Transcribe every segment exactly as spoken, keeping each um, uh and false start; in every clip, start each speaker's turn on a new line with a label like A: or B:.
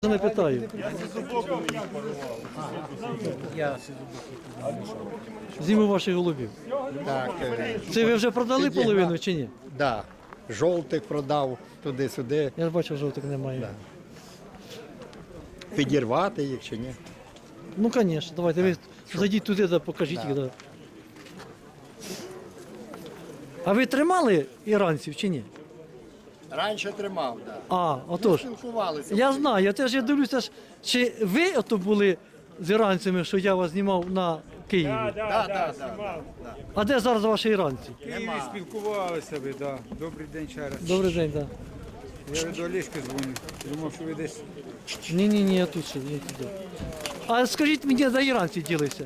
A: Не питаю.
B: Я
A: Зиму ваших голубів.
B: так, е,
A: Це ви вже продали
B: Підігнав.
A: половину чи ні?
B: да, жовтих продав туди-сюди.
A: Я ж бачу, жовтих немає.
B: Да. Підірвати їх чи ні?
A: Ну, звісно, давайте ви зайдіть туди, да, покажіть
B: Да.
A: їх. Да. А ви тримали іранців чи ні?
B: Раніше тримав, так. Да.
A: А, отож.
B: Спілкувалися.
A: Я знаю, я теж я дивлюся, ж, чи ви ото були з іранцями, що я вас знімав на Києві?
B: Да, да, да, да.
A: А де зараз ваші іранці?
C: В Києві спілкувалися ви, да. Добрий день ще раз.
A: Добрий день, так.
C: Я від Олешки дзвоню. Думав, що ви десь.
A: Ні, ні, ні, я тут ще, я туди. А скажіть мені, де іранці ділися?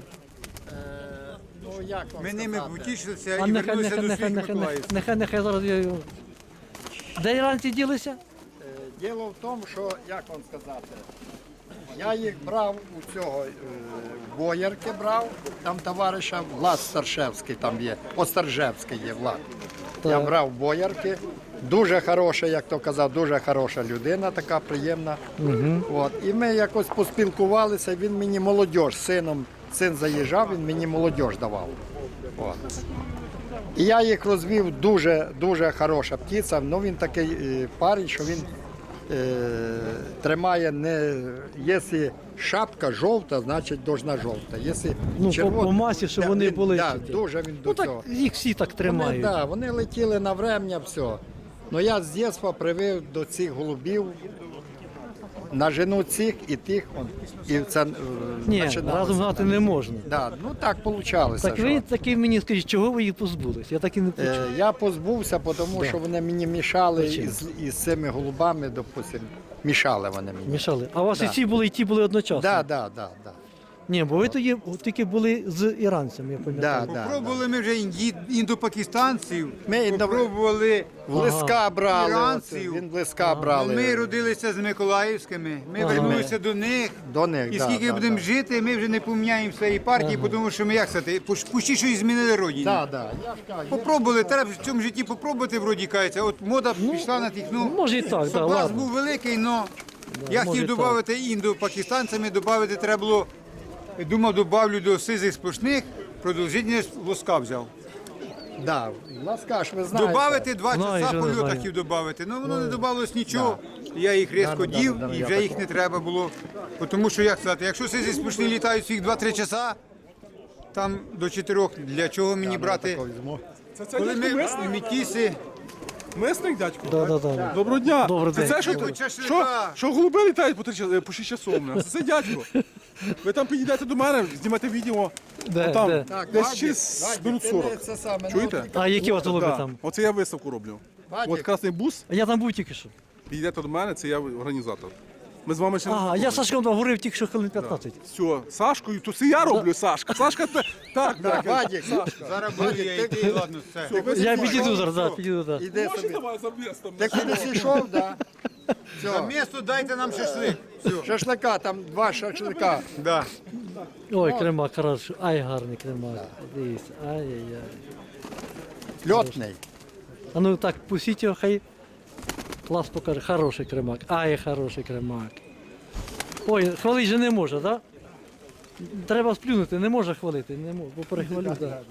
B: Ну, як вам
C: Ми ними
B: сказати?
C: потішилися
A: А
C: і
A: нехай,
C: вернулися
A: нехай,
C: до
A: нехай,
C: своїх
A: нехай,
C: Миколаївців.
A: нехай, нехай зараз я його. Де іранці ділися?
B: Е, Діло в тому, що, як вам сказати, я їх брав у цього е, боярки брав, там товариша Влад Старшевський там є, Остаржевський є Влад. Я
A: Так.
B: брав боярки, дуже хороша, як то казав, дуже хороша людина, така приємна. От. І ми якось поспілкувалися, він мені молодь, з сином, син заїжджав, він мені молодь давав. От. І я їх розвів, дуже, дуже хороша птиця, ну він такий е, парень, що він е, тримає не, якщо шапка жовта, значить должна жовта. Якщо
A: Ну, по-
B: червона-
A: по масі, щоб
B: Да,
A: вони
B: він-
A: були
B: Да,
A: ці.
B: дуже він до
A: Ну
B: цього.
A: так їх всі так
B: Вони,
A: тримають.
B: да, вони летіли на врем'я, все. Ну я з дитинства привив до цих голубів на жену цих і тих. Он, і це, е,
A: Ні,
B: починалося.
A: разом гнати не можна.
B: Да, ну так вийшло.
A: Так ви таки мені скажіть, чого ви їх позбулись? Я так і не почув.
B: Е, Я позбувся, тому що вони мені мішали
A: Причина?
B: із, із цими голубами, допустим, мішали вони мені.
A: Мішали. А у вас
B: Да.
A: і ці були, і ті були одночасно?
B: Так, так, так, так.
A: Ні, бо ви тоді тільки були з іранцями, я пам'ятаю.
B: Да, да.
C: Попробували ми вже інді- індопакистанців,
B: Ми індо-
C: попробували
B: В лиска брали,
C: іранців.
B: оце, він в лиска брали.
C: Ми родилися з Миколаївськими, ми
A: Ага.
C: вернулися до них.
B: До них,
C: І
B: да,
C: скільки
B: да,
C: будемо
B: да.
C: жити, ми вже не поміняємо своєї партії, тому що ми як сказати, пуш- пущі, що і змінили родину.
B: Да, да. Я ж кажу,
C: Попробували, треба в цьому житті попробувати, вроді кажеться. От мода пішла на тих, ну,
A: може і так,
C: соблазн
A: да, ладно.
C: був великий, але я
A: може і
C: хотів
A: так.
C: додати індо-пакистанцями, додати треба було, думав, додавлю до сизих сплошних, продовжительність лоска взяв.
B: да, ласка ж ви знаєте.
C: Добавити два
A: Знаю,
C: часа
A: що не
C: польоту
A: знаю.
C: хотів додати. Ну воно не додавалось нічого. Я їх різко
B: Да, да,
C: дів
B: да, да,
C: і
B: я
C: вже
B: так-
C: їх не треба було. Тому що, як сказати, якщо сизі сплошні літають всіх два-три часа, там до чотирьох, для чого мені брати?
B: Такого візьму.
D: Це це
C: Коли
D: дядько
C: ми
D: мисник?
C: мітіси,
D: Мисник, дядько?
A: Да, да, да.
D: Доброго дня.
A: Добрий
D: це
A: день.
D: це, що,
C: Дядько,
D: що,
C: шашлика.
D: що голуби літають по, три, ча- по шість часов. у нас? Це дядько. Ви там підійдете до мене, знімете відео.
A: Де,
D: там,
A: де?
B: Так,
D: десь
B: Вадик,
D: через
B: Вадик,
D: минут
B: ти
D: сорок.
B: не це саме,
D: Чуєте?
B: ну,
A: А які у вас голуби
D: Да.
A: там?
D: Оце я виставку роблю.
B: Вадик.
D: От красний бус,
A: А я там був тільки що.
D: підійдете до мене, це я організатор. Ми з вами ще не
A: Ага, я
D: знайомі.
A: Сашком говорив тільки що хвилин п'ятнадцять.
D: Все, Сашкою, то це я роблю, Сашка. Сашка, те- так,
B: Да,
D: так.
B: Вадик,
C: зараз буду я йти, ладно, все.
D: ви
A: Я
D: собі-
A: підійду зараз, да,
D: Все.
A: підійду, да.
B: іди
D: Можете
B: собі.
D: давай за містом?
B: Ти кудись йшов, да?
C: За
B: Все.
C: місто дайте нам шашлик. Все.
B: Шашлика, там два шашлика.
C: Да.
A: Ой, кремак, хорошо. Ай, гарний кремак. Дивіться, ай-яй-яй.
B: Льотний.
A: А ну так, пустіть його, хай клас покаже. Хороший кремак. Ай, хороший кремак. Ой, хвалити же не може, так? Да? Треба сплюнути, не може хвалити, не може, бо перехвалю, так. Да.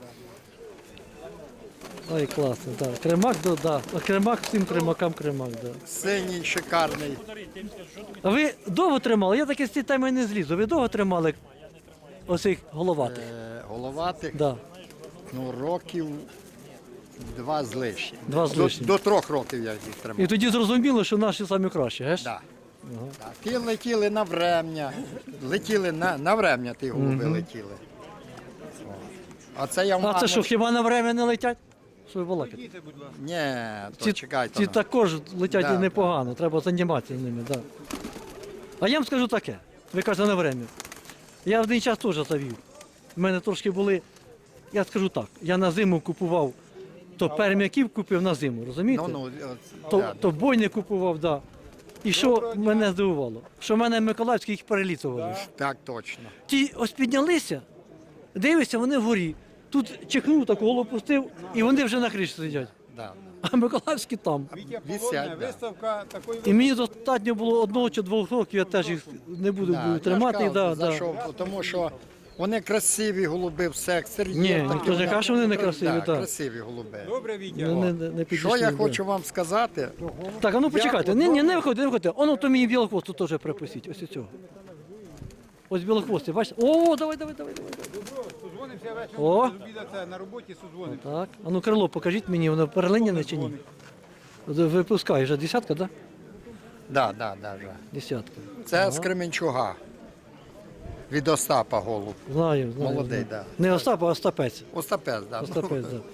A: Ой, класно, так. Да. Кремак, да, да. А кремак всім кремакам кремак, так. Да.
B: Синій, шикарний.
A: А ви довго тримали? Я таки з цієї теми не злізу. Ви довго тримали оцих головатих?
B: Е, головатих,
A: Да.
B: ну, років два з лишнім.
A: Два з
B: До,
A: лишнім.
B: до трьох років я їх тримав.
A: І тоді зрозуміло, що наші самі кращі, геш?
B: Да. Да. Ті летіли на врем'я, летіли на, на врем'я, ті голуби летіли. О. А це я в
A: А це
B: маму-
A: що, хіба на время не летять? Що ви балакаєте?
B: Ні, то
A: Ці,
B: чекайте.
A: ці
B: ну.
A: також летять
B: Да,
A: і непогано, треба займатися ними, так. Да. А я вам скажу таке, ви кажете на время. Я в один час теж завів. У мене трошки були, я скажу так, я на зиму купував, то пермяків купив на зиму, розумієте?
B: Ну, ну, от,
A: то,
B: да,
A: то бойня купував, да. І що мене здивувало? Що в мене Миколаївські їх перелітували.
B: так точно.
A: Ті ось піднялися, дивишся, вони вгорі. Тут чихнув, так голову пустив, і вони вже на криші сидять.
B: Да.
A: а Миколаївські там.
C: Вітя
B: Висять,
C: Полонне,
B: да.
C: виставка такої
A: І мені достатньо було одного чи двох років, я теж їх не буду
B: Да, я ж
A: тримати.
B: кажу,
A: Да,
B: за
A: да.
B: що, тому що вони красиві голуби, все, екстер'єр.
A: Ні,
B: такий,
A: ніхто ж не каже, що вони не красиві,
B: Да,
A: так.
B: красиві голуби.
C: Добре, Вітя.
A: Не, не, не підійшли,
B: Що я
A: да.
B: хочу вам сказати,
A: Так, а ну почекайте,
B: Я
A: ні, ні, не
B: одного-
A: виходьте, не виходьте. Оно то мені білохвосту теж припустіть, ось цього. Ось білохвостий, бачите? О, давай, давай, давай, давай.
C: Созвонимося вечором,
A: О.
C: з обіда це на роботі созвонимося.
A: Так, а ну крило покажіть мені, воно перелиняне чи ні? Випускає вже десятка, так? Да?
B: да, да, да, да.
A: Десятка.
B: Це з Кременчуга. Від Остапа голуб.
A: Знаю, знаю.
B: Молодий,
A: знаю.
B: да.
A: Не Остап, а Остапець.
B: Остапець, да.
A: Остапець, так.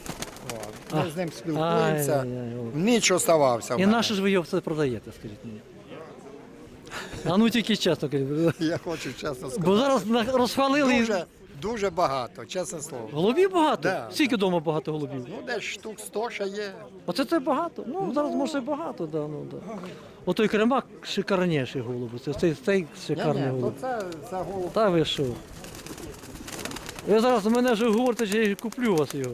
B: Ми з ним спілкуємося.
A: Ай-яй-яй, голуб.
B: Ніч оставався. в
A: І
B: мене.
A: наше ж ви його все продаєте, скажіть мені. А ну тільки чесно кажіть.
B: Я хочу чесно сказати.
A: Бо зараз на- розхвалили.
B: Дуже, дуже багато, чесне слово.
A: Голубів багато?
B: Да.
A: Скільки вдома багато голубів?
B: Ну, десь штук сто ще є.
A: Оце це багато. Ну, зараз може і багато, да, ну, да. Отой кремак шикарніший голуб. Це цей, цей шикарний
B: Ні, ні, то
A: голуб.
B: це, це голуб.
A: Та ви що? Ви зараз мене вже говорите, що я куплю вас його.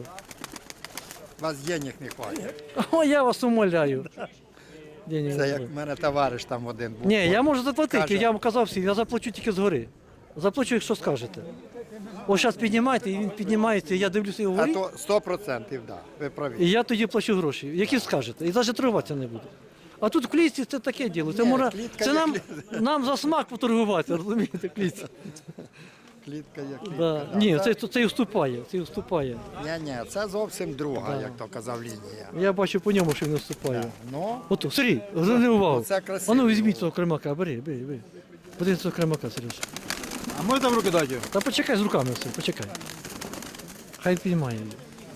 B: У вас денег не хватить.
A: О, я вас умоляю. Денег
B: Це
A: не
B: як
A: буде.
B: в мене товариш там один був.
A: Ні, я можу заплатити,
B: Каже-
A: я вам казав всім, я заплачу тільки згори. Заплачу, якщо скажете. Ось зараз піднімайте, і він піднімається, і я дивлюся його
B: А
A: вгорі,
B: то сто процентів, так, да, ви праві.
A: і я тоді плачу гроші, які скажете, і навіть торгуватися не буду. А тут в клітці це таке діло. Це,
B: Ні,
A: можна,
B: клітка
A: це
B: є
A: нам,
B: клітка.
A: нам за смак поторгуватися, розумієте, клітці.
B: Клітка є клітка.
A: Да.
B: да.
A: Ні,
B: Це-
A: це, це, вступає, це вступає.
B: Ні, ні, це зовсім друга, як то казав лінія.
A: Я бачу по ньому, що він вступає.
B: Ну,
A: Ото, Сергій, зверни увагу.
B: Оце красиво.
A: А ну візьміть цього кремака, бери, бери, бери. Подивись цього кремака, Сереж.
D: А можна в руки дати його?
A: Та почекай з руками все, почекай. Хай піймає її.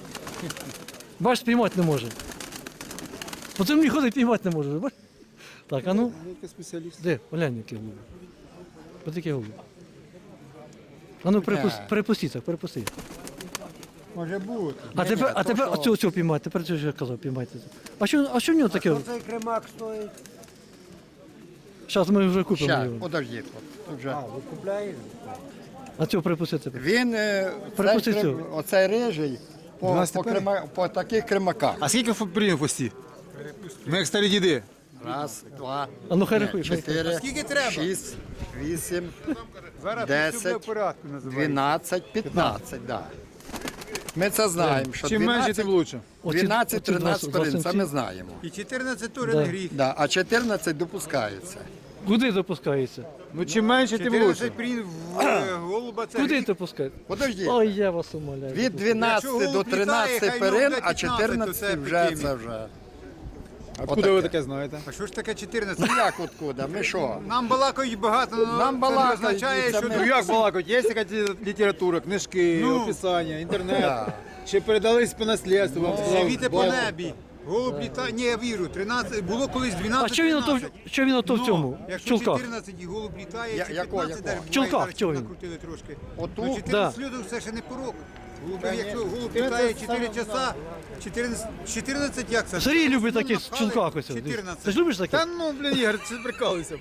A: Бач, спіймати не може. По землі ходить, піймати не може. Бач? Так, а ну,
D: Який спеціаліст.
A: де? Глянь, який голуб. Ось такий голуб. А ну, перепусти, перепустіть, так, перепустіть.
C: Може бути.
A: А тепер, а
B: то
A: тепер
B: що?
A: оцього, цього піймати, тепер цього що я казав, піймайте. А що, а що в нього таке?
E: Цей кремак стоїть.
A: Зараз ми вже купимо
B: ща,
A: його.
B: подождіть. Тут вже.
E: Ви купляєте?
A: А цього припустити тепер.
B: Він, е,
A: Припусти
B: цей,
A: цього.
B: крем- оцей рижий, по,
D: дванадцять
B: по,
D: пері?
B: крема, по таких кремаках.
D: А скільки прийняв пості? Ми як старі діди.
B: Раз, два,
A: А ну хай
B: ні,
A: рахуй. хай.
B: чотири,
C: Скільки треба?
B: шість, вісім,
C: Зараз
B: Десять,
C: все в порядку називається.
B: дванадцять, п'ятнадцять, да. Ми це знаємо, що
D: Чим менше,
B: дванадцять,
D: тим лучше.
A: Оці-
B: дванадцять,
A: оці два-
B: тринадцять
A: два
B: перин, це
A: самці.
B: ми знаємо.
C: І чотирнадцять тур
A: Да.
C: не гріх.
B: Да, а чотирнадцять допускається.
A: Куди допускається?
D: Ну чим менше, тим лучше.
C: чотирнадцять прін в е, голуба це
A: Куди
C: гріх.
A: допускається?
B: Подожди,
A: Ой, я вас умоляю.
B: від
C: Якщо
B: дванадцяти до
C: голуб літає,
B: тринадцяти
C: хай
B: перин,
C: йому
B: а
C: п'ятнадцять, то
B: чотирнадцять
C: це
B: вже
C: епідемія.
B: це вже.
D: Откуда ви
B: Отаке.
D: таке знаєте?
C: А що ж таке чотирнадцять?
B: Ну як откуда? Ми що?
C: Нам балакають багато, але
B: Нам
C: це
B: балакають,
C: не означає,
B: і це
C: що
B: ми-
D: Ну як балакать? Є якась література, книжки,
C: Ну.
D: описання, інтернет.
B: Да.
D: Чи передались по наслідству, вам сказав
C: світи по
D: батько.
C: небі. Голуб літає, ні, я вірю, тринадцять, було колись дванадцять,
A: А що він ото,
C: тринадцять.
A: що він ото в
C: Ну,
A: цьому? В
C: Якщо
A: чулках?
C: чотирнадцять і голуб літає,
B: Я-
C: чи
B: якого,
C: п'ятнадцять,
B: якого?
C: навіть
A: В чулках,
C: буває,
A: чого
C: зараз
A: він?
C: накрутили трошки.
B: Оту?
C: Ну, чотирнадцять
A: Да.
C: сльоток це ще не порок. Голуби,
D: Та ні.
C: якщо голуб
D: чотирнадцять
C: літає чотири
D: саме
C: часа, чотирнадцять, чотирнадцять як це?
A: Сергій любить
C: Ну,
A: такі в
C: напхали,
A: чулках ось.
C: чотирнадцять.
A: Ти ж любиш таке?
D: Та ну, блін, Ігор, це прикалуйся.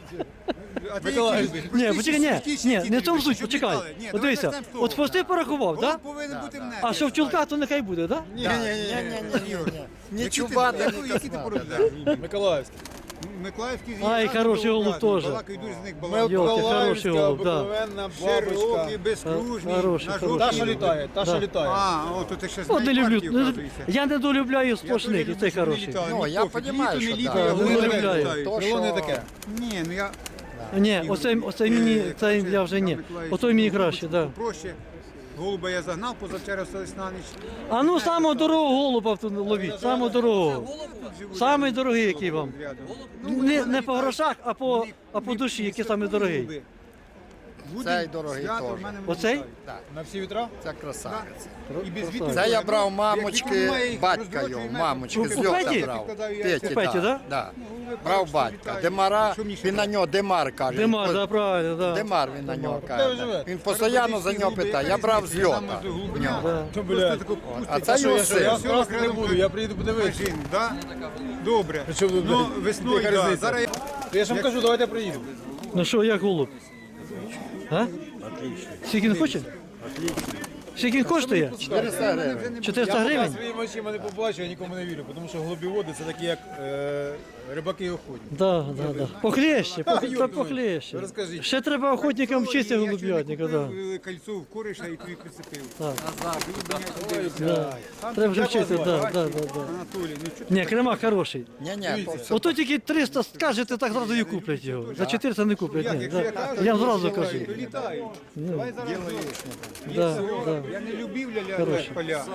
C: А ти
D: Миколаїв.
C: які любиш?
A: Ні,
C: Простіші,
A: почекай, ні,
C: простіші,
A: ні,
C: які
A: не
C: ти
A: в тому
C: любиш,
A: суть,
C: щоб
A: почекай.
C: літали. Ні,
A: От
C: давай
A: дивися,
C: почнемо з того.
A: от хвости порахував,
C: Голуб
A: так?
C: повинен бути в небі.
A: А що в чулках, то нехай буде, так?
D: Ні, ні, ні, ні.
B: Ні-ні-ні. Ні
C: Які ти-
B: чубата,
C: яку-
B: ні
C: Які ти
B: космата.
C: породляєш?
D: Миколаївський.
C: Миколаївський
A: Ай, хороший голуб теж.
C: Балакають дуже з них
A: Йолки,
C: балакають.
A: хороший голуб, да.
D: обикновенна
C: Широкий,
D: бабочка.
C: безкружний,
A: Хороший,
C: на
A: хороший.
C: жовтій.
D: Та, що літає, та, що літає.
C: А, о, то ти ще
A: От
C: знаєш
A: не люблю.
C: партію,
A: ну,
C: оказується.
A: Я не долюбляю
C: Я
A: сплошних, і
C: теж
A: цей
C: люблю, щоб
A: хороший.
C: літали.
B: Ну,
C: Мені
B: я
C: пофіг,
B: понімаю,
C: літо,
B: що
C: не літо,
B: да.
C: я
A: Ну,
C: голуби
A: не люблю.
C: літають.
B: То,
D: Крило не
B: що-
D: таке.
C: Ні, ну я...
A: Ні, оце, оце мені, це я вже ні. Отой мені краще, так.
C: Проще. Голуба я загнав, позавчора остались на ніч.
A: А ну самого дорогого голуба тут ловіть, самого дорогого. Самий дорогий, який вам. Не, не по грошах, а по, а по душі, який самий дорогий.
B: Цей дорогий теж.
A: Оцей?
B: Так,
D: На всі вітра?
B: це красавець.
C: І без вітру.
B: Це я брав
C: Як
B: мамочки,
C: немає їх,
B: батька
C: роздрочує
B: його,
C: мене.
B: мамочки,
A: У
B: з льота
A: Петі?
B: брав.
C: У
B: Петі,
A: Петі, да?
B: да? Да. Брав батька. Демара, він на нього Демар каже.
A: Демар,
B: Він
A: да,
B: по-
A: правильно, да.
B: Демар він на нього
D: Де ви
B: каже.
D: живете?
B: Він постійно за нього питає. Я брав з льота. в нього.
D: То, блядь.
B: А це
D: Що,
B: його
D: я, що, я
B: син.
D: красти не буду, я приїду подивитися.
C: Жін, да? Добре.
D: Причому тут,
C: Ну,
D: блядь,
C: весною,
D: яка
C: да.
D: різниця?
C: Зараз я...
D: Я ж вам кажу, давайте приїду.
A: Ну що, як голуб? А? Скільки він хоче? Скільки він коштує?
B: чотириста гривень.
A: чотириста
E: Я
A: гривень?
E: поки своїми очима не побачив, я нікому не вірю, тому що голубіводи це такі як е, рибаки і охотники.
A: Да, да, да. Похлеще,
E: Та,
A: пох-
E: Юр,
A: та
E: ну,
A: похлеще.
E: розкажіть.
A: Ще треба охотникам вчитися голуб'ятника, да.
C: Я кольцо в кориша і тобі прицепив.
A: Так.
C: Ой,
A: Да. Треба вже вчитися, да, да, да, да.
C: Анатолій, ну чого
A: Ні, крема хороший.
B: Ні-ні,
A: Ото тільки триста скажете, так зразу і куплять його. За чотириста не куплять. Ні,
C: якщо я
A: да.
C: кажу,
A: Я зразу кажу.
C: то літаю. Давай зараз
A: Да, да.
C: я не любив ля-ля
A: Хороший.
C: поля.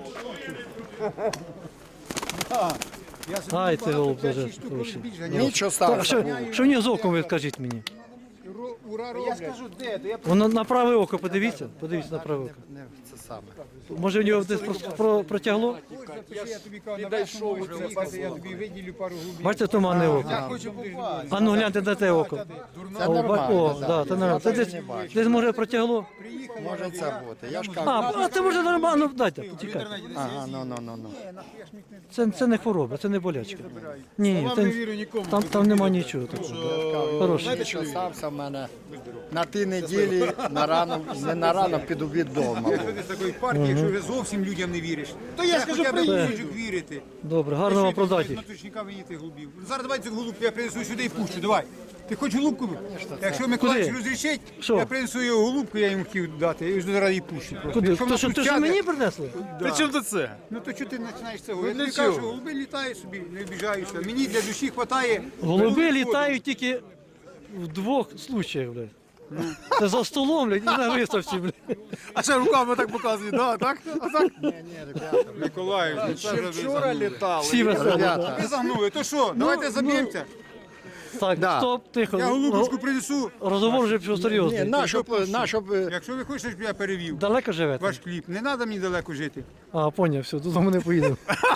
C: Да. Я собі
A: Ай, це
C: багато,
A: голуб
C: п'ять,
A: дуже
C: шість штук
A: хороший.
C: більш ганяв.
B: нічого
A: Так,
B: стався.
A: що, що в нього з оком, ви скажіть мені?
C: Ро- Ура
E: Я
C: роблять.
E: скажу, де, то я
A: Воно на праве око, подивіться, подивіться на праве око.
B: Не, це саме.
A: Може в нього десь про, про, протягло?
C: Я тобі кажу, на весну можеш приїхати, я тобі виділю пару голубів.
A: Бачите, туманне око.
E: Я хочу попасти.
A: А ну гляньте на те око.
B: Це
A: О, ба-
B: нормально,
A: О,
B: да.
A: да, це нормально. Це
B: Я
A: десь,
B: не бачу.
A: десь може протягло.
B: Може це бути. Я ж кажу.
A: А, а це може нормально, ну, дайте, почекайте.
B: Ага, ну, ну, ну, ну.
A: Це, це не хвороба, це не болячка. Ні, ні,
E: Вам
A: це,
E: не вірю нікому.
A: там, там нема нічого такого. Хороший.
B: Нічого стався в мене на ті неділі, на рано, не на рано, під обід вдома.
C: Ти з такої партії, якщо ви зовсім людям не віриш, то я скажу,
A: приїду.
C: приїжджу вірити.
A: Добре, гарно вам продати.
C: На точника виїти голубів. Зараз давай цю голубку, я принесу сюди і пущу, давай. Ти хочеш голубку? Якщо Миколаївич
A: Куди?
C: розрішить,
A: Що?
C: я принесу його голубку, я йому хотів дати, я його зараз її пущу. просто.
A: Куди?
C: Якщо
A: То
C: вона
A: що,
C: тут
A: то, що
C: сяде,
A: мені принесли?
E: При чому тут це?
C: Ну то чого ти починаєш це
E: Ну,
C: говорити? Я
E: для
C: тобі кажу, що
E: чого?
C: голуби літають собі, не обіжаюся. Мені для душі вистачає.
A: Голуби літають тільки в двох случаях, блядь. Це за столом, блядь, і на виставці, блядь.
E: А ще руками так показують, да, так? А так?
C: Миколаївич, ну це вже ви загнули.
E: літали.
A: Всі веселі.
B: Ребята,
C: Ви загнули, то що, давайте заб'ємося.
A: Так,
B: Да.
A: стоп, тихо.
C: Я голубочку
A: Ро-
C: принесу.
A: Розговор вже пішов
B: ні,
A: серйозний.
B: на, щоб, на, щоб,
C: Якщо ви хочете, щоб я перевів
A: Далеко живете?
C: ваш кліп, не треба мені далеко жити.
A: А, поняв, все, додому не поїдемо.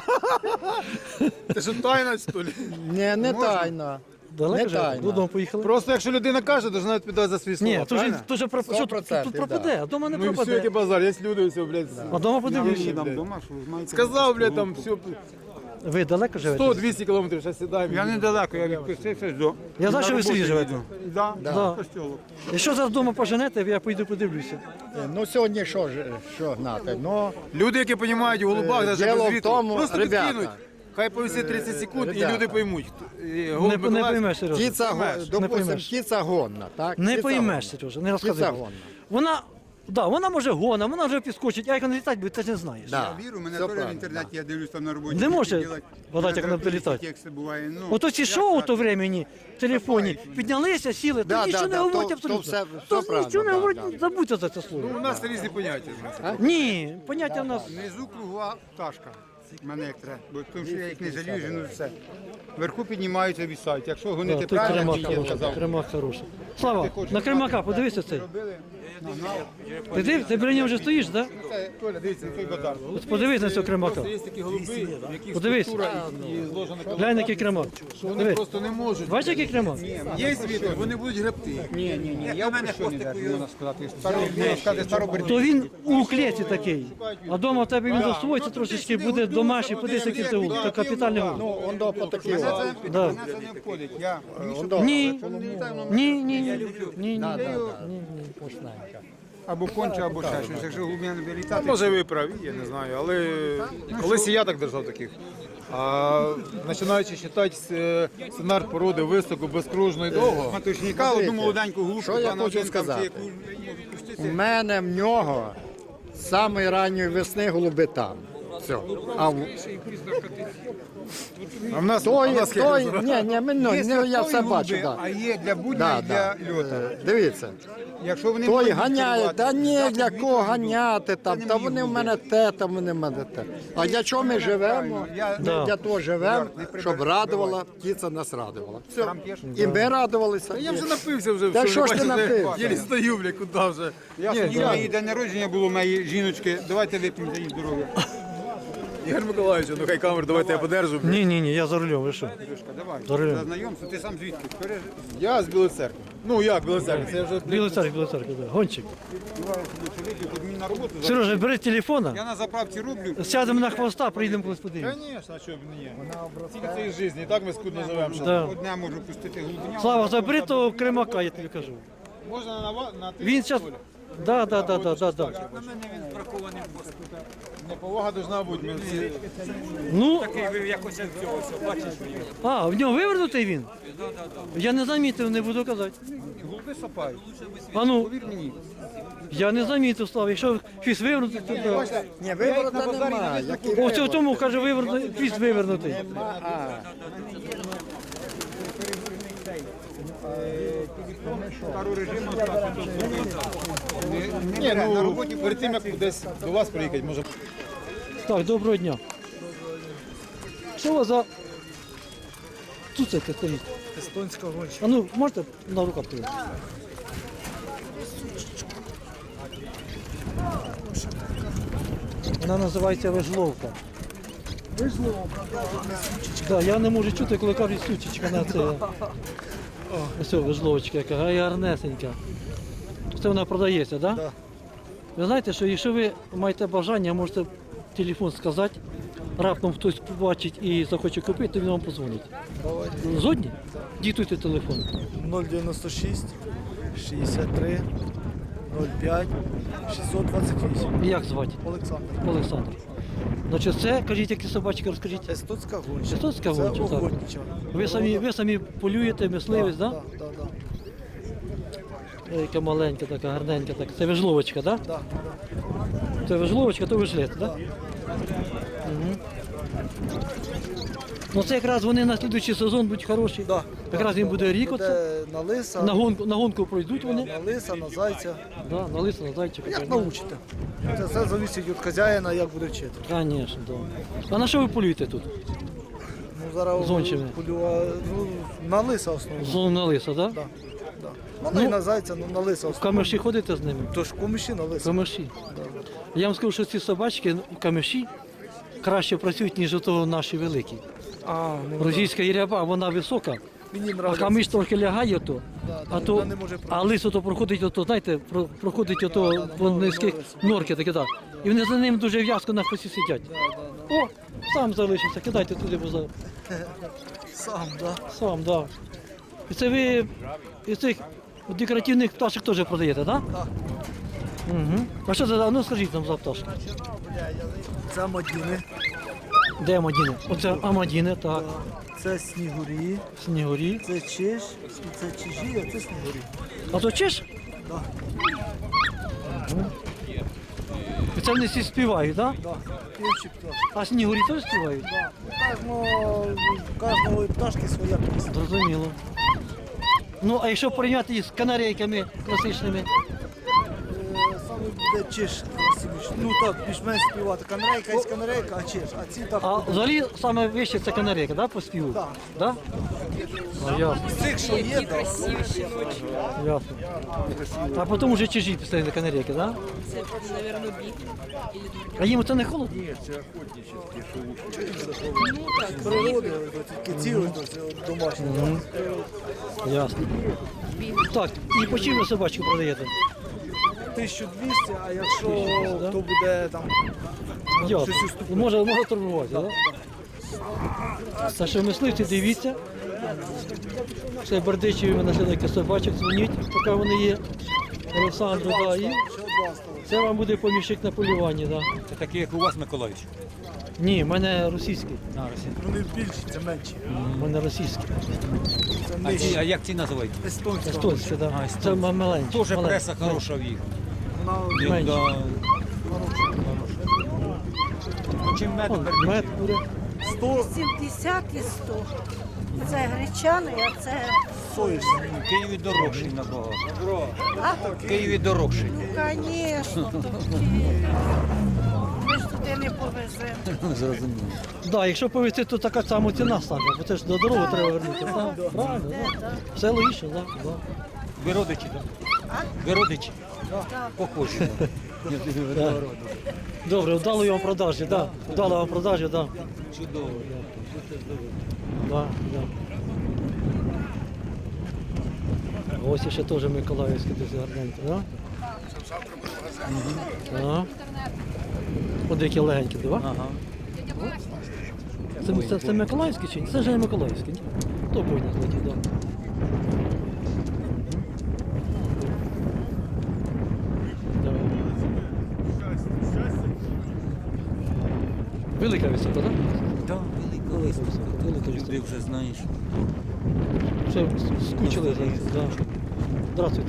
E: Це що тайна, що ли?
B: не, не тайна.
A: Далеко
B: Не
A: живете?
B: тайна.
A: Додому поїхали?
E: Просто якщо людина каже, то вона відповідає за свої слова.
A: Ні, то ж,
E: правильно?
A: то ж про, що, тут,
B: процентів,
A: тут пропаде, а вдома не
E: Ну і все, який
A: пропаде.
E: базар, є люди, все, блядь.
A: А вдома подивлюся.
C: там вдома, що ви маєте.
E: Сказав, блядь, там все,
A: Ви далеко живете?
E: сто-двісті кілометрів, зараз сідаємо.
C: Я недалеко, я відпустився до.
A: Я знаю, що ви в селі живете.
C: Да,
A: Да.
C: Костьолок.
A: Якщо зараз вдома поженете, я поїду подивлюся.
B: Ну сьогодні що ж, що гнати? Ну,
E: Люди, які розуміють у голубах,
B: Е,
E: навіть
B: діло
E: без
B: в
E: вітру,
B: тому,
E: просто
B: ребята,
E: підкинуть. Хай повисить тридцять секунд, і
B: ребята,
E: люди поймуть. І
A: Не,
E: голуб
A: не
E: Миколаївський-
A: поймеш, Сережа.
B: кіця, го- допустим,
A: поймеш.
B: кіця гонна, так?
A: Не
B: Кіця
A: поймеш,
B: гонна.
A: Сережа, не розказуй.
B: Кіця
A: більше.
B: гонна.
A: Вона, да, вона може гона, вона вже підскочить, а як вона літати буде, ти ж не знаєш.
B: Да.
C: Я вірю, мене
B: Все
C: теж в
B: правильно,
C: інтернеті, я дивлюсь там на роботі.
A: Не може
C: делать.
A: гадати, як вона буде
C: Тексти
A: літати.
C: Тексти буває, ну.
A: Ото ці шоу то времені в телефоні піднялися, сіли,
B: Да,
A: то нічого
B: да,
A: не
B: да,
A: говорять
B: то-
A: абсолютно.
B: то все-
A: То
B: все правильно,
A: нічого не
B: да,
A: говорять,
B: да.
A: забудьте за це
E: Ну,
A: слово.
E: у нас різні поняття. знаєте.
A: Ні, поняття в нас.
C: Внизу кругла пташка. Мене як треба. Бо тому що я їх не жалію, жену все. Вверху піднімаються, вісають. Якщо
A: Да,
C: гонити
A: тут
C: правильно,
A: кремак
C: як я
A: хороший,
C: казав.
A: кремак хороший. Слава, на кремака, подивися цей.
C: Робили,
A: Ти див, ти біля нього вже стоїш, так?
C: це, Толя, дивіться, на той базар.
A: Да? Подивись на цього кремака.
E: Є такі голуби, в яких
A: Подивись.
E: структура і, і зложена
A: Глянь, який кремак.
E: Вони
A: Дивись.
E: просто не можуть.
A: Бачиш, який кремак?
E: Є вітер, вони будуть гребти.
C: Ні, ні, ні, я в мене що не держу, можна сказати. Старо, можна сказати, старобердій.
A: То він у клеті такий. А вдома в тебе він засвоїться трошечки, буде домашній, подивись, який це гул. Це капітальний гул.
B: Ну, он до по такі.
C: Мене
B: о.
C: це,
A: Да.
C: мене це не входить. Я, мені щоб-
B: до.
A: Ні, ні, ні, ні, ні, ні.
B: Да, да, да. Вкусненько.
C: або конче, або ще щось. Якщо глубина буде літати,
E: Може ви праві, я не знаю, але колись і я так держав таких. А починаючи читати е, сценар породи високо, безкружно і довго.
C: матушника, одну молоденьку глупку,
B: Що я
C: пана
B: хочу
C: один там,
B: сказати?
C: чи яку можу
B: У
C: пустити.
B: мене в нього з самої ранньої весни голуби там. Все. А в
E: А в нас,
B: той,
E: а в нас
B: той,
E: як?
B: ні, ні, ми, ну,
C: Є
B: не, я все
C: святкові
B: бачу,
C: голуби,
B: да.
C: а є для будня
B: Да,
C: і
B: да.
C: для льота.
B: Е, Дивіться,
C: Якщо вони
B: той
C: будуть
B: ганяє,
C: керувати,
B: та ні,
C: дати
B: для
C: дві
B: кого
C: голуби,
B: ганяти там,
C: не
B: та
C: мої
B: вони в
C: голуби.
B: мене те, там вони в мене те. А для чого ми живемо?
C: Я-
B: Ми
A: Да.
B: для того живемо,
C: Не прибирай,
B: щоб радувала, птиця нас радувала. Все.
C: Там п'єш?
B: І ми радувалися.
E: Я вже напився вже.
B: Та
E: все,
B: що ж ти
E: бачите,
B: напився?
E: Єлі стою, бля, куди вже.
C: Я
E: Ні,
C: хотів,
E: я-
C: на її день народження було моєї жіночки. Давайте вип'ємо за її здоров'я.
E: Ігор Миколаївич, ну хай камеру, давайте я подержу. бля.
A: Ні, ні, ні, я за рулем, ви що?
C: Сережка, давай.
A: Здорово.
C: За знайомство, ти сам звідки? Пере-
E: Я з Білої церкви. Ну як Білої церкви? Це вже
A: Білий царь, білий царь, да. Гончик.
C: Давай, собі чоловік, от мені на роботу. зараз.
A: Сережа, бери телефона,
C: Я на заправці роблю.
A: сядемо на хвоста, приїдемо колись подивимось.
E: Звісно, а що б ні. Тільки це із житті, і так ми скудно живемо. що-
A: Да.
C: Одне можу пустити глибиня.
A: Слава, забери того кремака, я тобі кажу.
E: Можна на ва- на ти.
A: Він зараз Да, да, да, да, да, да.
E: Неповага должна бути. Ми всі...
A: Ну, а, в нього вивернутий він? Я не замітив, не буду казати.
E: Голуби сапають.
A: А ну,
E: Повір мені.
A: я не замітив, Слав. Якщо хвіст вивернутий, то да.
B: Ні, виворота немає. Який
A: О, в тому, каже, вивернутий, хвіст вивернутий.
B: нема? А,
E: Ні, ну, на роботі перед тим, як десь до вас приїхати, може.
A: Так, доброго дня. Що у вас за цуцики стоїть?
F: Естонська гонча.
A: А ну, можете на руках туди? Вона називається вежловка. Вежловка, да, я не можу чути, коли кажуть сучечка на це. Ось вежловочка, яка ай, гарнесенька. Це вона продається, так? Да?
F: Да.
A: Ви знаєте, що якщо ви маєте бажання, можете телефон сказати, раптом хтось побачить і захоче купити, то він вам позвонить. Згодні? Диктуйте телефон.
F: нуль дев'яносто шість шістдесят три нуль п'ять шістсот двадцять вісім.
A: І як звати?
F: Олександр.
A: Олександр. Значить, це, кажіть, які собачки, розкажіть.
F: Естонська гонча.
A: Естонська
F: Це
A: гонча, так.
F: охотнича.
A: Ви самі, ви самі полюєте, мисливець, так? Да?
F: Так, так, так.
A: Ой, яка маленька, така гарненька. Так. Це вежловочка, так? Да?
F: Да, да.
A: Це вежловочка, то вежлет, так? Да? Угу. Ну це якраз вони на слідуючий сезон будуть хороші.
F: Да.
A: Якраз їм буде рік оце.
F: Буде на лиса,
A: На гонку, на гонку пройдуть вони.
F: на лиса, на зайця.
A: Да, на лиса, на зайчика.
F: Як научите. Це все залежить від хазяїна, як буде вчити.
A: Звісно, да. А на що ви полюєте тут?
F: Ну, зараз
A: Зончими.
F: полюва, ну, на лиса основно.
A: Зону на лиса, так? Да?
F: Да, да. Можна і на зайця, ну на лиса
A: В
F: основно.
A: камеші ходите з ними?
F: Тож комиші на
A: В
F: лиса.
A: камеші. Я вам скажу, що ці собачки в камеші краще працюють, ніж ото наші великі.
F: А, ну,
A: Російська іряба, вона висока,
F: мені
A: а
F: нравиться.
A: камиш трохи лягає то,
F: Да,
A: а
F: да,
A: то,
F: вона не може
A: а лис ото проходить ото, знаєте, про- проходить ото по низьких норки такі, так. І вони за ним дуже в'язко на хвості сидять. О, сам залишився, кидайте туди, бо за...
F: Сам, да.
A: сам, так. Да. І це ви із цих декоративних пташок теж продаєте, так?
F: Так.
A: Угу. А що це, за- ну скажіть нам за пташки.
F: Це мадіни,
A: Де Амадіни? Оце Амадіни, так.
F: це снігурі,
A: Снігурі.
F: це чиш, і це чижі, а це снігурі.
A: А то чиш?
F: Да.
A: І це вони всі співають, так? Да?
F: Да. Інші пташки.
A: А снігурі теж співають?
F: Да. Кожного, кожного пташки своя пісня.
A: Зрозуміло. Ну, а якщо порівняти їх з канарейками класичними,
F: Е, Саме буде чиш красивіший. Ну так, більш-менш співати. Канарейка є канарейка, а чиш. А ці так.
A: а взагалі саме вище це канарейка, да, по співу?
F: Так.
A: Да? А, ясно,
F: Цих, що є, так.
A: ясно. А потім вже чижі після канарейки, да?
G: Це, наверное, бік.
A: А їм це не холодно?
F: Природи, ось тільки ці ось ось домашні. так.
A: Ясно. Так, і по чим ви собачку продаєте?
F: тисяча двісті, а якщо
A: да?
F: то буде там
A: Ясно.
F: щось уступити.
A: Може, може торгувати, так? Да? Так що мисливці, дивіться. Це Бердичеві ми знайшли таких собачок, дзвоніть, поки вони є. Олександру, да, і
F: Ще два осталось.
A: це вам буде поміщик на полюванні, да.
H: Це такі, як у вас, Миколаївич.
A: Ні, в мене російський.
H: А, Росія.
F: Вони більші, це менші.
A: В мене російський.
F: Це
H: А, ці, а
F: нижчі.
A: е,
H: як ці називають?
F: Естонська.
A: Естонський, да.
H: А,
A: Це
H: естонський.
A: ма- маленький.
H: Тоже
A: маленький.
H: преса хороша в їх.
F: Вона
A: Менше.
H: Да. Чим мед
A: Вон, мед буде.
F: сто
I: сімдесят і сто. Це гречаний, а це
F: соєшся.
H: в Києві дорожчий набагато.
I: а,
H: В Києві дорожчий.
I: звісно, тобто ми ж туди не повеземо.
H: Зрозуміло.
A: Да, якщо повезти, то така сама ціна стане, бо це ж до дороги треба вернути. Да, правильно, да. Все логічно, да, да.
H: Ви родичі, так? Ви родичі? Похожі. Да.
A: Добре, вдало вам продажі, да. Вдало вам продажі, да.
H: Чудово.
A: Да, да. Ось ще теж Миколаївський дуже гарненький, да? Ага. От які легенькі, да?
H: Ага.
A: Це, це, це Миколаївський чи ні? Це вже не Миколаївський, ні? То бойня злетів, да. Велика висота, так?
H: Так, велика виставка.
A: велика
H: Люди
A: виставка.
H: вже знаєш.
A: Все, скучили за це. Да. Здравствуйте.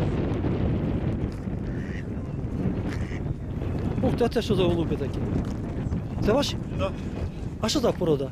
A: Ух, це, це що за голуби такі? Це ваші?
G: Да.
A: А що за порода?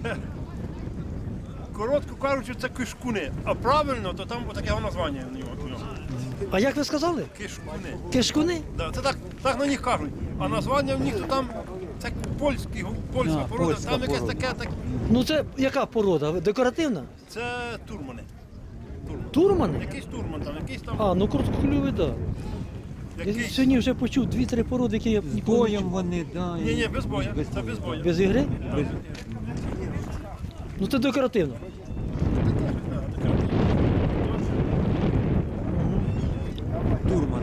G: Коротко кажучи, це кишкуни. А правильно, то там отаке названня в нього. у нього.
A: А як ви сказали?
G: Кишкуни.
A: Кишкуни?
G: Да, це так, так на них кажуть. А названня в них то там це польський, гу- польська
H: А,
G: порода,
H: польська
G: там якесь
H: порода.
G: таке, так,
A: Ну це яка порода? Декоративна?
G: це турмани. Турман.
A: Турмани?
G: Якийсь турман там, якийсь там,
A: А, ну короткоклювий, так. Да. Я
G: якийсь...
A: сьогодні вже почув дві-три породи, які я
H: З
A: ніколи не
H: боєм
A: чув.
H: вони, да.
G: Ні, ні, без боя, це без боя.
A: Без ігри? Ну це декоративно.
H: Турман.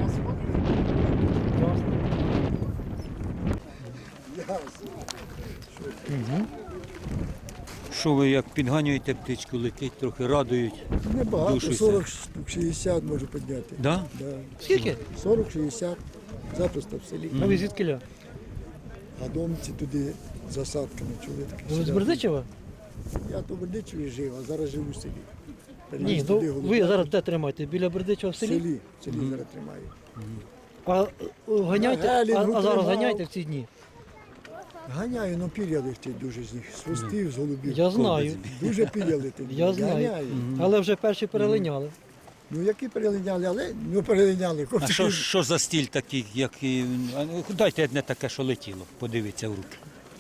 H: Що ви як підганюєте птичку, летить, трохи радують.
J: Небагато,
H: Душу
J: сорок штук, шістдесят можу підняти.
H: Да?
J: Да.
A: Скільки?
J: сорок шістдесят, запросто в селі.
A: А ви звідкиля?
J: А домці туди засадками, чули таке.
A: Ви з
J: сюди.
A: Бердичева?
J: Я то в Бердичеві жив, а зараз живу в селі. Переліз
A: Ні, ну
J: туди,
A: ви
J: голубя.
A: зараз де тримаєте? Біля Бердичева в
J: в
A: селі?
J: селі, в селі зараз тримаю.
A: А е, ганяйте, а,
J: Гелінгу
A: а зараз
J: тримав.
A: ганяйте в ці дні?
J: Ганяю, ну пір'я летить дуже з них, з хвостів, з голубів.
A: Я знаю,
J: Дуже пір'я летить.
A: я знаю.
J: Ганяю.
A: Але вже перші перелиняли.
J: Ну які перелиняли, але ну перелиняли.
H: А
J: Хлопці,
H: що, що за стіль такий, як і... а ну, дайте одне таке, що летіло, подивіться в руки.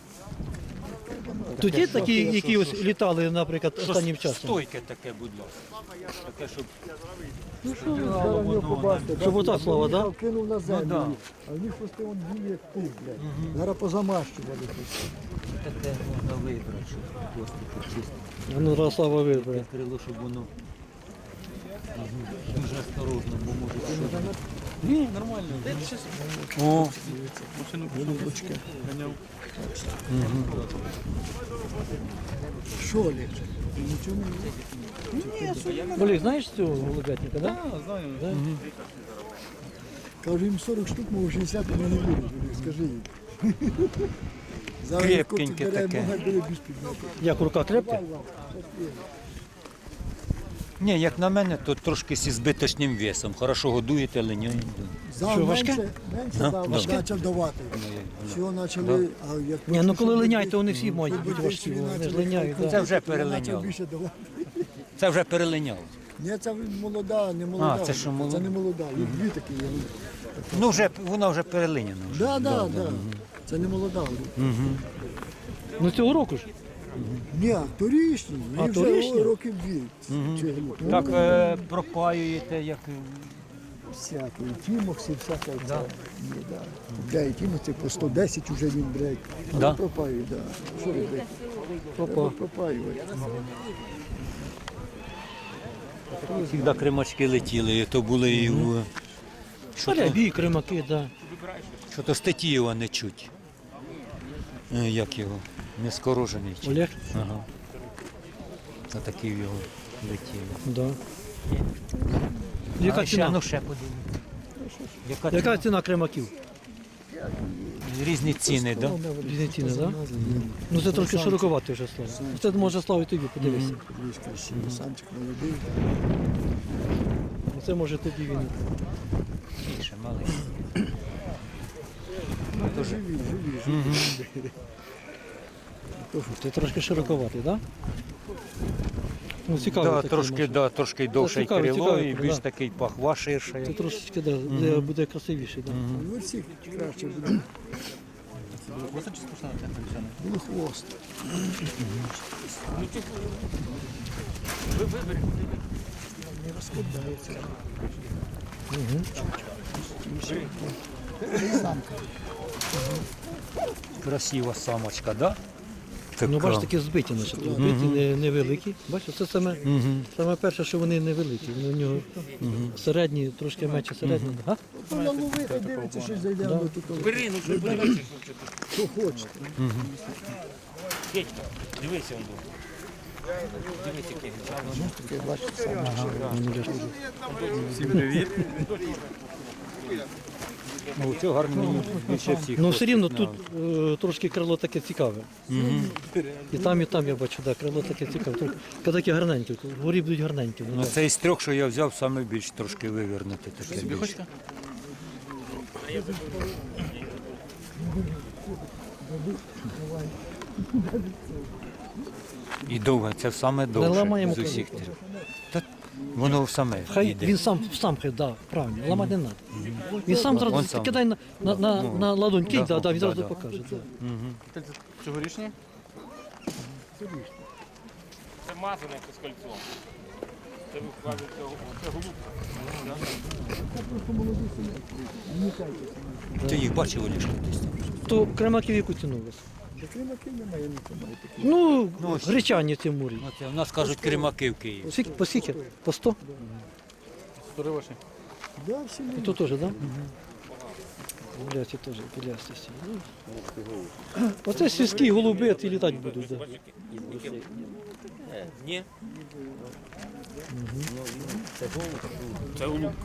A: Тут є такі, які ось літали, наприклад, останнім часом.
H: Стойке таке, будь ласка. Таке, щоб...
J: зараз його побачите.
A: Щоб отак, Слава, да?
J: Кинув на землю,
H: да.
J: а в них хвости вон білі, як пух, блядь. Зараз позамащували хвости.
H: Таке можна вибрати, щоб просто почистити.
A: А ну, раз Слава вибере.
H: Крило, щоб воно Мгм. дуже осторожно, бо може що. Ні, нормально. О,
J: Що лежить?
A: Олег, знаєш цього голубятника, да?
J: Кажу, їм сорок штук, мов шістдесят у мене виріжуть, скажи їм. Зараз
H: Крепкеньке
J: бере,
H: таке.
J: ноги бере без підняти.
A: Як рука крепка?
H: ні, як на мене, то трошки зі збиточним весом. Хорошо годуєте, линяєте.
J: Зал
A: Що, важке?
J: менше, менше дав,
H: важке?
J: почав давати. Всього почали, а як
A: Ні, ну коли
J: почали
A: линяють, то вони
J: бити,
A: всі мають бути
J: бити,
A: важкі,
J: він
A: вони ж
J: почав
A: линяють.
J: бити,
A: Да.
H: Це вже
J: він
H: перелиняло.
J: почав більше давати.
H: Це вже перелиняло.
J: Ні, це молода, не молода.
H: А, це що, молода?
J: Це не молода, їх дві такі є.
H: Ну, вже, вона вже перелиняна. Вже.
J: Да, да, да. Це не молода.
A: Ну цього року ж.
J: Ні, торішні,
A: А,
J: їй вже
A: торішні?
J: о, років дві. Чи-
H: Так е, пропаюєте, як...
J: Всякі, і тімокси, всяке це. Ні, да. Купляє тімокси, по сто десять вже він бере.
H: Да?
J: Пропаює, да. Що робити? Треба пропаювати.
H: Завжди кримачки летіли, і то були і в... Що то,
A: Рябі, кримаки, да.
H: що то Стетієва не чуть. Е, Як його? Нескорожений. чи-
A: Олег?
H: Ага. Це такі в його летіли.
A: Да. Яка
H: А ще,
A: ціна?
H: ну ще подивимось. Яка,
A: Яка
H: ціна?
A: ціна кримаків?
H: Різні ціни, так? Да?
A: Різні ціни, так? Да? Ну це трохи широковато вже Слава. Це може Славі тобі подивися.
J: Дивись, красивий, самчик молодий.
A: Це може тобі він.
H: Більше, малий.
J: Живі, живі, живі.
A: Це трошки широковатий, так? Да? Ну, цікаво.
H: Да,
A: такий
H: трошки,
A: може.
H: да, трошки довше й
A: цікавий,
H: крило,
A: цікавий,
H: і більш
A: да.
H: такий пахва ширша.
A: Це трошечки да, де буде красивіший. Да.
J: Ну, всі краще буде. Було хвост. Не розкладається.
H: Красива самочка, да?
A: Ну,
H: Така.
A: бачиш, такі збиті, значить, збиті не, невеликі. Бачиш, це саме, саме перше, що вони невеликі. Вони у нього середні, трошки менше середні. Га?
J: Вона ловити, дивиться, що зайде, воно тут. Бери, ну що подивіться, що хочете.
H: Дивися, он
J: Таке, бачите, саме.
D: Всім привіт.
H: Ну, цього гарно мені більше всіх.
A: Ну все рівно
H: хвостик,
A: тут е, трошки крило таке цікаве. І там, і там я бачу, да, крило таке цікаве. Трохи- Такі гарненькі, вгорі будуть гарненькі.
H: Ну, це із трьох, що я взяв, саме більш трошки вивернути. Таке більше. І довго, це саме довше
A: ламаємо
H: з усіх трьох. Та воно саме
A: Хай
H: йде.
A: він сам сам хай, да, правильно, ламати не треба. Він сам
H: Он
A: зразу
H: сам.
A: кидай на, на, на,
H: Ну,
A: на ладонь, кинь,
H: да,
A: да, да, він
H: да,
A: зразу
H: да.
A: покаже. Да.
D: Цьогорічні?
G: Це мазане з кольцом. Це ви кажете, це голубка.
H: Ти їх бачив, Олішка, десь там?
A: То кремаків яку ціну у вас?
J: Кримаків немає, немає таких.
A: Ну,
H: Ну, ось.
A: гречані ці мурі.
H: Оце, у нас кажуть кремаки в Києві.
A: Скільки, по скільки? По сто?
D: Стори ваші.
J: Да, всі
A: І то теж, так? Да? Гуляці теж, білясті всі. Ну, Оце сільські голуби, ті літати будуть. Да.
G: Ні. Це голубка.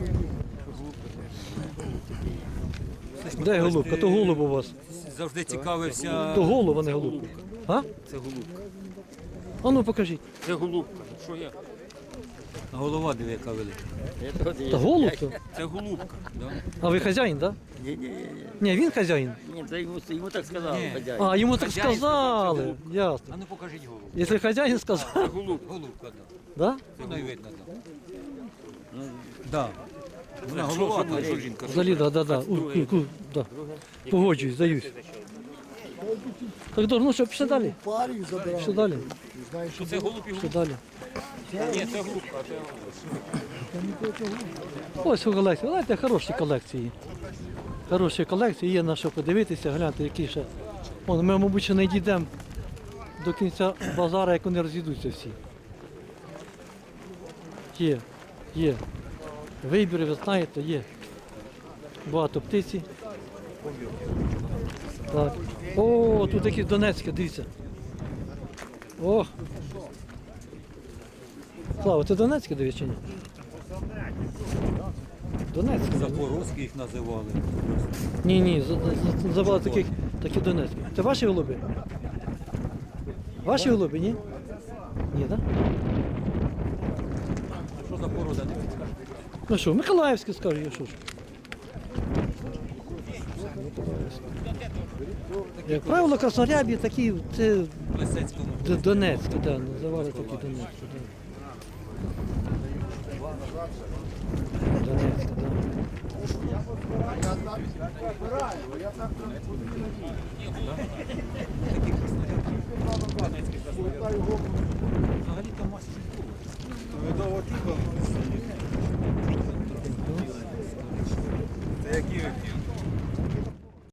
A: Де голубка? То голуб у вас.
H: Завжди цікавився.
A: То голуб, а не голубка. А?
G: Це голубка.
A: А ну покажіть.
G: Це голубка. Що я?
H: Голова диви, яка велика.
A: Та голуб то.
G: Це голубка.
A: А ви хазяїн, так? Да? Ні, він хазяїн.
G: Ні, це йому, йому так сказали.
H: Ні.
A: А, йому так
H: Хазяїн сказав,
A: сказали. Ясно.
H: А ну покажіть голову.
A: Якщо хазяїн сказав,
H: Голубка, голубка, да.
A: да?
H: Воно й видно, да. Да. Вона голова, там, що жінка.
A: Взагалі, да, да, да. У, у, у, да. Погоджуюсь, здаюсь. Так, добре, ну що, пішли далі?
J: парів забирали.
A: Пішли далі.
J: Знаєш, що
G: Це голуб і
A: Пішли
G: голубка.
A: далі.
G: Ні, це голубка, а це
A: Ось у колекції. Знаєте, хороші колекції. Хороші колекції, є на що подивитися, гляньте, які ще. Вон, ми, мабуть, ще не дійдемо до кінця базара, як вони розійдуться всі. Є, є. Вибір, ви знаєте, є. Багато птиці. Так. О, тут якісь Донецькі, дивіться. О! Слава, ти Донецьке дивись чи ні? Донецьке.
H: Запорозькі їх називали.
A: Ні, ні, забрали таких, такі Донецькі. Це ваші голуби? Ваші голуби, ні? Ні, так?
H: А що за порода не підскажете?
A: Ну що, Миколаївські скажу, я що ж. Як правило, краснорябі такі, це
H: В Лисецькому.
A: Д- Донецькі, да, називали такі Донецькі, да. Донецькі, да.
H: Взагалі там маса
E: Це які?